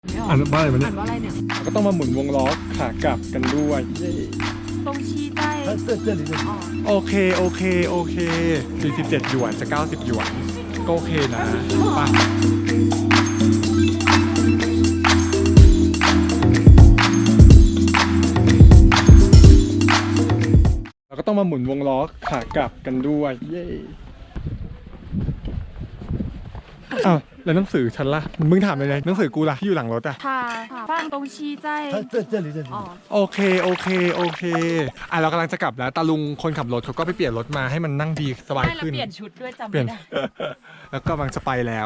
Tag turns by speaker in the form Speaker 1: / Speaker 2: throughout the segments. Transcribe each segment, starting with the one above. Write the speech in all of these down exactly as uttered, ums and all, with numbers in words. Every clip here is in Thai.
Speaker 1: อ่านว่าอะไรมันเนี่ย
Speaker 2: อ่านว่าอะไรเนี่ย
Speaker 1: ก็ต้องมาหมุนวงล้อขากลับกันด้วยเย้
Speaker 2: ตรงชี้ใจอ๋อ
Speaker 1: โอเคโอเคโอเคสี่สิบเจ็ดหยวนจะเก้าสิบหยวนก็โอเคนะไปเราก็ต้องมาหมุนวงล้อขากลับกันด้วยเย้อ้าวแล้วหนังสือฉันล่ะมึงถามเลยหนังสือกูล่ะที่อยู่หลังรถอะ
Speaker 2: ค่ะฟังตรงชี้ใจอ๋อ
Speaker 1: โอเคโอเคโอเคอ่ะเรากำลังจะกลับแล้วตาลุงคนขับรถเขาก็ไปเปลี่ยนรถมาให้มันนั่งดีสบาย
Speaker 2: ไม่แล้ว
Speaker 1: ขึ้น
Speaker 2: เปลี่ยนชุดด้วยจำ
Speaker 1: เปลี่ยน
Speaker 2: ไม่ได้
Speaker 1: แล้วก็กำลังจะไปแล้ว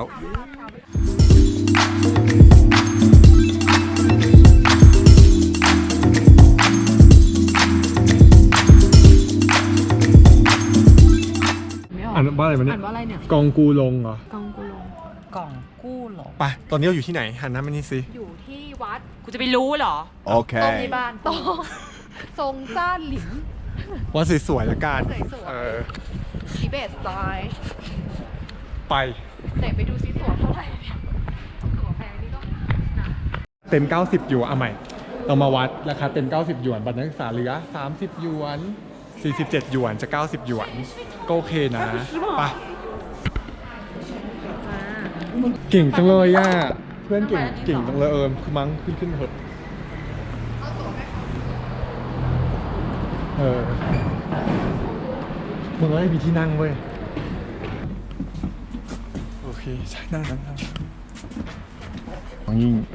Speaker 1: อ่านว่าอะไรมันเนี่ย
Speaker 2: อ่านว่าอะไรเนี่ย
Speaker 1: กองกูลงเหรอก
Speaker 2: องกูลงกล่องกู้หรอ
Speaker 1: ไปตอนนี้เราอยู่ที่ไหนหันหน้ามานี่สิ
Speaker 2: อยู่ที่วัดกูจะไปรู้เหรอ
Speaker 3: โอเค
Speaker 2: ตรงในบ้านตรงทรงซ่านหลิน
Speaker 1: ว่าสวยๆละกัน
Speaker 2: สวยๆ
Speaker 1: เออ
Speaker 2: ทิเบตสไตล์
Speaker 1: ไป
Speaker 2: ไหนไปดูซิตั๋วเท่าไหร่เนี่ยตั๋วแพงนี่ก็นะ
Speaker 1: เต็มเก้าสิบหยวนเอาใหม่เรามาวัดราคาเต็มเก้าสิบหยวนบัตรนักศึกษาเหลือสามสิบหยวนสี่สิบเจ็ดหยวนจะเก้าสิบหยวนก็โอเคนะไปเก่งจังเลยอ่ะเพื่อนเก่งเก่งจังเลยเออคือมั้งขึ้นขึ้นเถอะเออมึงก็ได้มีที่นั่งเว้ยโอเคใช่นั่งนั่งนั่งยิ่ง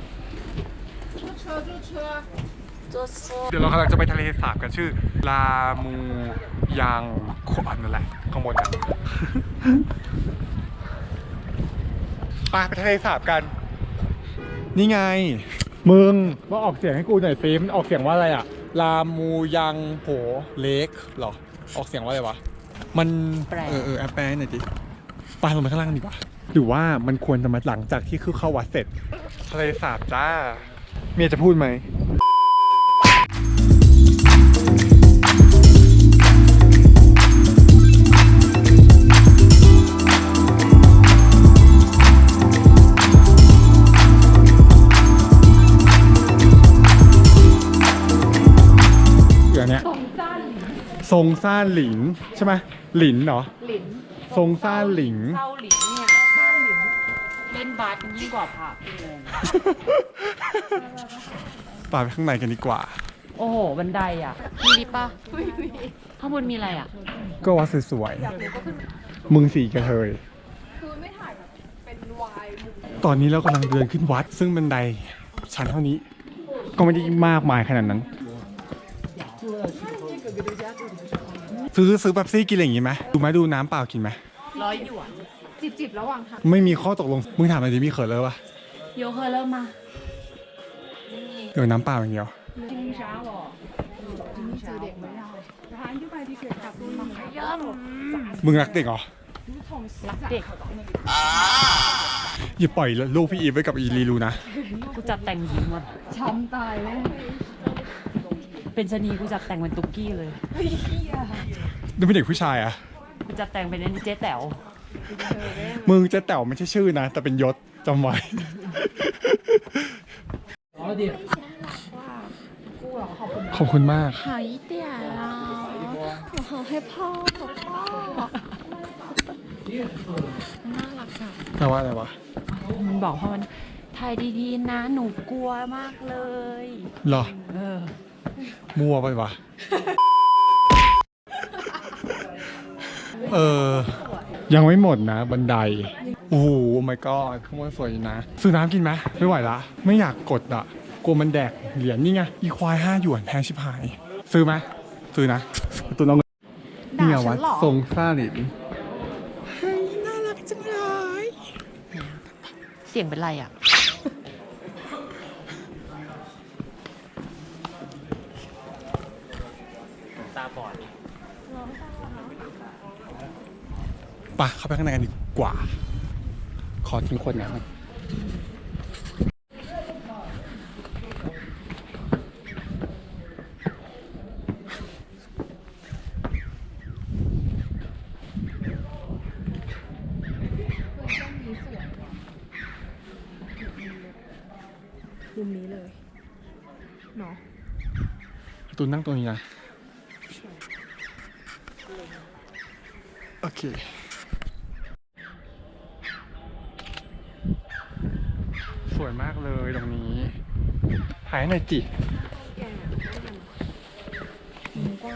Speaker 1: เดี๋ยวเรากำลังจะไปทะเลสาบกันชื่อลามูยางขวานนั่นแหละข้างบนนะ ไปไปทะเลสาบกัน นี่ไง มึงว่าออกเสียงให้กูหน่อยซิมันออกเสียงว่าอะไรอะลามูยังโผเล็กหรอออกเสียงว่าอะไรวะมันเออเออแอปแปลหน่อยดิไปลงไปข้างล่างดีกว่าหรือว่ามันควรจะมาหลังจากที่คือเข้าวัดเสร็จทะเลสาบจ้าเมียจะพูดไหมทรงซ่านหลินใช่ไหมหลินเหรอ
Speaker 2: หลิน
Speaker 1: ทรงซ่านหลิน
Speaker 2: เศร้าหลินเนี่ยซ่านหลินเล่นบาสยิ่งกว่าพระงง
Speaker 1: ไปไปข้างในกันดีกว่า
Speaker 2: โอ้โหบันไดอ่ะมีลิฟต์ป่ะไม่มีข้างบนมีอะไรอ่ะ
Speaker 1: ก็วัดสวยๆมึงสีกระเทยคือไม่ถ่ายแบบเป็นวายตอนนี้เรากำลังเดินขึ้นวัด ซึ่งบันไดชั้นเท่านี้ ก็ไม่ได้มากมายขนาดนั้น ซื้อซื้อเป๊ปซี่กินอะไรอย่างงี้ไหมดูไหมดูน้ำเปล่ากินไหม
Speaker 2: ร้อยหยวน จิบจิบระหว่างทาง
Speaker 1: ไม่มีข้อตกลง มึงถามอะไรดิมีเขินเลยปะ
Speaker 2: โยเคเริ่มมา
Speaker 1: เดี๋ยวน้ำเปล่าอย่างเดียว
Speaker 2: จริงช้าหรอเจอเด็กไม่ได้ร้านที่ไปที่เกิดกับตัวมันย่อม
Speaker 1: มึงรักเด็กเหรอ
Speaker 2: รักเด็ก
Speaker 1: อย่าปล่อยลูกพี่อีฟไว้กับอีลีลูนะ
Speaker 2: กูจัดแต่งหญิงว่ะช้ำตายแน่เป็นชะนีกูจัดแต่งเป็นตุ๊กกี้เลย
Speaker 1: ดูเป็นเด็กผู้ชายอะ
Speaker 2: กูจัดแต่งเป็นเจ๊แต๋ว
Speaker 1: มึงเจะแต๋วไม่ใช่ชื่อนะ แต่เป็นยศจำไว้ ขอบคุณมาก
Speaker 2: หายเตี่ยแล้วขอให้พ่อขอพ่อน่ารักจัง
Speaker 1: แปลว่าอะไรวะ
Speaker 2: มันบอกว่ามันถ่ายดีๆนะ หนูกลัวมากเลย
Speaker 1: เหรอ
Speaker 2: เออ
Speaker 1: มั่วไปวะ เออ ยังไม่หมดนะ บันได โอ้โห my god ข้างบนสวยนะ ซื้อน้ำกินไหมไม่ไหวละ ไม่อยากกดอ่ะ กลัวมันแดกเหรียญนี่ไง อีควายห้าหยวนแพงชิบหาย ซื้อไหมซื้อนะ ตัวน้องเนี่ยวัดทรงซ่าหลินเฮ้ยน่ารักจังเลย
Speaker 2: เสียงเป็นไรอ่ะ ตาบอด
Speaker 1: ปะเข้าไปข้างในกันดีกว่า ขอทิ้งคนนะครับ
Speaker 3: มุมนี้เลยเนาะ
Speaker 1: ตูนนั่งตรงนี้นะ โอเค สวยมากเลยตรงนี้ถ่ายหน่อยจิ
Speaker 3: แกมุมกว้าง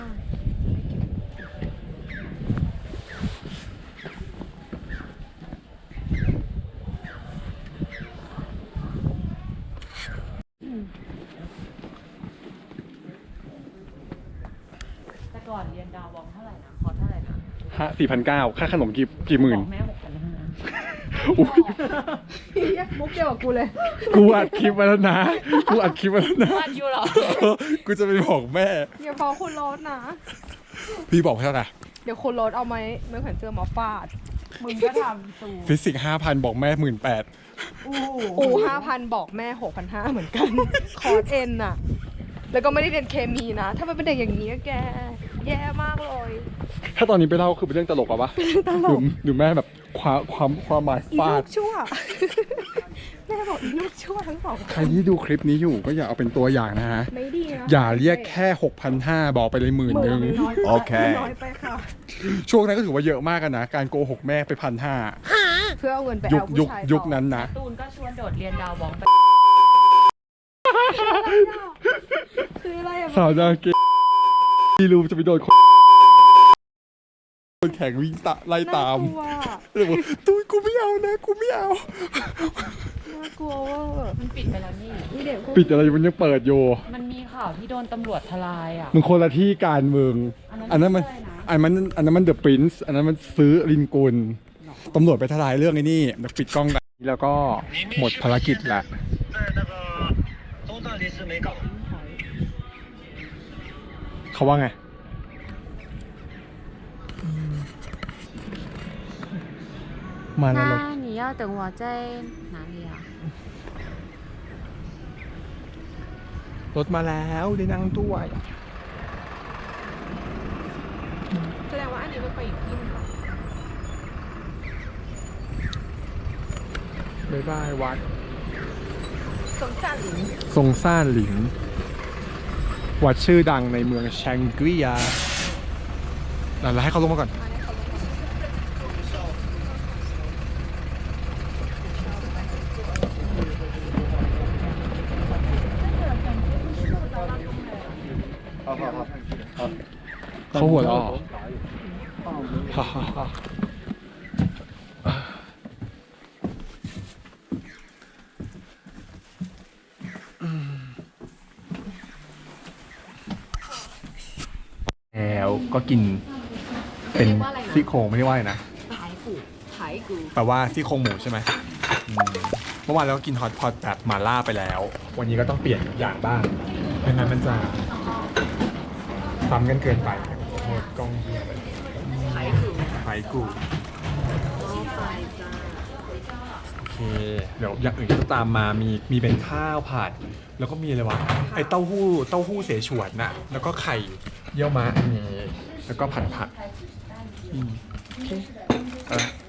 Speaker 2: แต่ก่อนเรียนดาววองเท่าไหร่นะคอร์สเท่าไหร่นะ
Speaker 1: ฮะสี่พันเก้าค่าขนมกี่กี่หมื่น
Speaker 2: บอกแม่หกพันห้า
Speaker 1: อุ้ย
Speaker 3: มุกเดียวกับกูเลย
Speaker 1: กูอัดคลิปมาแล้วนะ กูอัดคลิปมาแล้วนะ
Speaker 2: วันอยู่เหรอ
Speaker 1: กูจะไปบอกแม่
Speaker 3: อย่าฟ้องคุณโรสนะ
Speaker 1: พี่บอกเท่าไหร่
Speaker 3: เดี๋ยวคุณโรสเอาไหมไม่เห็นเจอมาฟาด
Speaker 2: มึงก็ทำตู
Speaker 1: ฟิสิกส์ห้าพันบอกแม่หมื่นแปด
Speaker 2: อู้
Speaker 3: อูห้าพันบอกแม่หกพันห้าเหมือนกัน คอร์สเอ็นน่ะ แล้วก็ไม่ได้เรียนเคมีนะ ถ้ามันเป็นเด็กอย่างนี้อะแก แย่มากเลย
Speaker 1: ถ้าตอนนี้ไปเล่าคือเป็นเรื่องตลกอะปะ
Speaker 3: ตลก
Speaker 1: หรือหรือแม่แบบความความความหมาย
Speaker 3: อี
Speaker 1: ฟา
Speaker 3: ลู
Speaker 1: ด
Speaker 3: กชั่ว แม่บอกอีลูกชั่วทั้งสอง
Speaker 1: ใครที่ดูคลิปนี้อยู่ก็อย่าเอาเป็นตัวอย่างนะฮะ
Speaker 3: ไม่ดีนะ
Speaker 1: อย่าเรียกแค่ หกพันห้าร้อย บอกไปเลยหมื่น
Speaker 3: ห
Speaker 1: ห
Speaker 3: มื่
Speaker 1: นึ่ง
Speaker 3: นน้อยไป
Speaker 1: โอเค
Speaker 3: น้อยไปค่ะ
Speaker 1: ช่วงนั้นก็ถือว่าเยอะมากกันนะ การโกหกแม่ไปพันห้า
Speaker 3: เพื่อเอาเงินไป
Speaker 1: ยุค
Speaker 3: เอา
Speaker 1: ยุ
Speaker 3: ผู้
Speaker 1: ค
Speaker 3: ชาย
Speaker 1: ยุค
Speaker 3: ต่อ
Speaker 1: นั้นนะ
Speaker 2: ตูนก็ชวนโดดเรียนดาววองไป
Speaker 3: คืออะไรอะ
Speaker 1: สาวดาเกที่รู้จะไปโดนคนคนแข่งวิ่งตะไล่ตาม
Speaker 3: น่ากลัว
Speaker 1: เลยบอกตุ้ยกูไม่เอานะ กูไม่เอา
Speaker 3: น่ากลัวเว่า
Speaker 2: มันปิดไปแล้วนี่
Speaker 3: นี่เด็กพวก
Speaker 1: ปิดอะไรมันยังเปิดอยู่
Speaker 2: มันมีข่าวที่โดนตำรวจทลายอ่ะ
Speaker 1: มึงคนละที่การเมือง
Speaker 2: อั
Speaker 1: อัน
Speaker 2: นนั้
Speaker 1: นั้น
Speaker 2: น
Speaker 1: มัน
Speaker 2: ไม่ใช่นะ
Speaker 1: อันนั้นอันนั้นมันเดอะปรินซ์อันนั้นมันซื้อลินกุลตำรวจไปทลายเรื่องไอ้นี่เดี๋ยวปิดกล้องแบบนี้แล้วก็หมดภารกิจละ
Speaker 4: 在那个东大临时没搞。
Speaker 1: เขาว่าไง มาแล้วรถ
Speaker 2: 那你要等我在哪里啊？
Speaker 1: รถมาแล้วได้นั่งด้วย
Speaker 3: แสดงว่าอันนี้มันไปอีกที่หนึงเหรอ
Speaker 1: บ๊ายบายวัด
Speaker 3: สงสารหลิง
Speaker 1: ทรงซ่านหลิง วัดชื่อดังในเมืองแชงกรียาเราให้เขาลงมาก่อน เขาหัวเราะฮ่าฮ่าฮ่าแล้วก็กินเป็นซี่โครงไม่ได้ว่าอะไรนะ
Speaker 2: 排骨，排骨。
Speaker 1: แปลว่าซี่โครงหมูใช่ไหมอืมเมื่อวานเราก็กินฮอตพอตแบบหม่าล่าไปแล้ว วันนี้ก็ต้องเปลี่ยนอย่างบ้างไม่งั้นมันจะซ้ำกันเกินไปหมดกล้องเหี้ยเลย
Speaker 2: 排骨，
Speaker 1: ไผ่กู
Speaker 2: 然后饭จ้า
Speaker 1: โอเค เดี๋ยวอย่างอื่นก็จะตามมามีมีเป็นข้าวผัด แล้วก็มีอะไรวะ ไอเต้าหู้เต้าหู้เสฉวนน่ะ แล้วก็ไข่เยี่ยวม้าอันนี้ แล้วก็ผัดผัดอืมโอเคเออ